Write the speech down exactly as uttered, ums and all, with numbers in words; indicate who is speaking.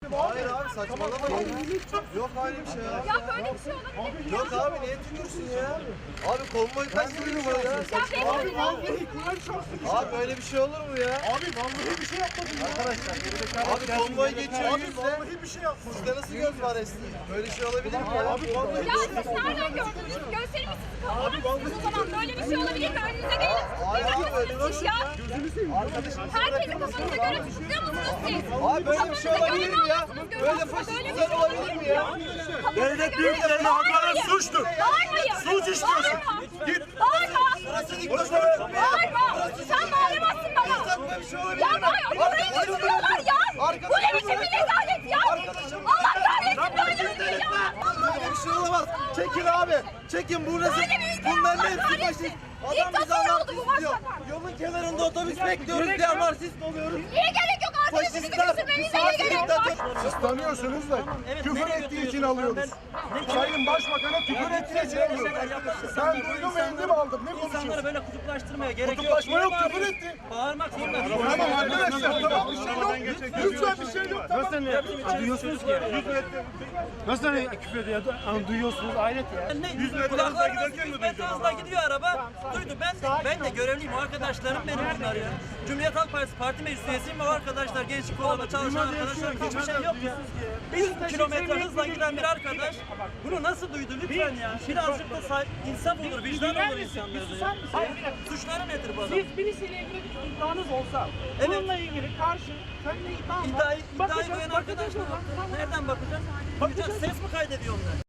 Speaker 1: Hayır abi saçmalamayın. Yok öyle bir şey ya.
Speaker 2: Ya böyle bir şey olabilir mi?
Speaker 1: Yok abi niye tükürsün ya? Abi konvoy kaç yürüyor ya?
Speaker 2: Ya benim
Speaker 1: Abi böyle bir şey olur mu ya?
Speaker 3: Abi vallahi bir şey yapmadım ya. Arkadaşlar.
Speaker 1: Abi konvoy geçiyor
Speaker 3: Abi
Speaker 1: yüzle.
Speaker 3: vallahi bir şey yapmadım.
Speaker 1: Sizde nasıl göz var Esti? Böyle şey olabilir mi ya?
Speaker 3: Abi vallahi
Speaker 2: Ya siz nereden gördünüz? Gözlerimi sizi kapatmışsınız o zaman. Böyle bir şey olabilir mi? Önünüze gelin.
Speaker 1: Hayır abi böyle
Speaker 2: Siz
Speaker 1: nasıl
Speaker 2: ya.
Speaker 1: ya? Arkadaşım
Speaker 2: Herkesi kafanıza göre tutukluyor musunuz siz?
Speaker 1: abi böyle bir şey olabilir mi ya? Böyle faşistler olabilir mi ya?
Speaker 3: devlet büyüklerine hakaret suçtur.
Speaker 2: Bağırmayın.
Speaker 3: Suç işliyorsun.
Speaker 2: Git. Bağırma. Bağırma. Sen bağıramazsın bana.
Speaker 1: Böyle bir şey olabilir
Speaker 2: Ya
Speaker 1: mi?
Speaker 2: bağır. Burayı tutuyorlar ya. Bu ne biçim bir rezalet ya. Allah kahretsin böyle bir şey ya.
Speaker 1: Böyle bir şey olamaz. Çekin abi. Çekin bu resim.
Speaker 2: Böyle bir ülke
Speaker 1: Bunların
Speaker 2: Allah
Speaker 1: hepsi
Speaker 2: kahretsin.
Speaker 1: faşist. Adam bizi
Speaker 2: Diktatör oldu bu
Speaker 1: anarşist diyor.
Speaker 2: başbakan.
Speaker 1: Yolun kenarında otobüs bekliyoruz diye anarşist oluyoruz.
Speaker 2: Niye gerek yok? Arkadaşınızı
Speaker 1: Faşistler,
Speaker 2: götürmenize niye gerek var?
Speaker 3: Siz tanıyorsunuz da küfür ettiği için alıyoruz. Sayın Başbakan'a küfür ettiği için alıyoruz. Ben duydum eğitim aldım. Ne
Speaker 4: İnsanları
Speaker 3: konuşuyorsun?
Speaker 4: böyle kutuplaştırmaya gerek yok.
Speaker 3: Kutuplaşma yok,
Speaker 4: Niye
Speaker 3: küfür
Speaker 4: bağırıyorsun?
Speaker 3: etti.
Speaker 4: Bağırmak zorunda.
Speaker 3: Tamam arkadaşlar tamam bir şey yok. Lütfen bir şey yok. Tamam.
Speaker 5: Nasıl duyuyorsunuz ki? Nasıl küfür ediyor? Ama duyuyorsunuz hayret ya.
Speaker 4: Ne? Kulaklarına hizmet hızla gidiyor araba. Duydu. Ben de, ben de görevliyim. O arkadaşlarım benim bunlar ya. Cumhuriyet Halk Partisi parti meclis üyesiyim ve o arkadaşlar gençlik kolunda çalışan arkadaşlar hiçbir şey yok ya. Bir kilometre hızla giden bir arkadaş bunu nasıl duydu lütfen ya. Birazcık da say- insaf olur, vicdan olur insanlarda ya. Suçları nedir bu adam?
Speaker 5: Siz birisiyle ilgili bir iddianız olsa,
Speaker 4: Evet.
Speaker 5: bununla ilgili karşı seninle iddian var.
Speaker 4: İddiayı, iddiayı
Speaker 5: Bakacağız,
Speaker 4: koyan
Speaker 5: bakacağız
Speaker 4: arkadaşlar
Speaker 5: o zaman. Tamam.
Speaker 4: nereden bakacağız? Bakacağız. Ses mi kaydediyor onlar?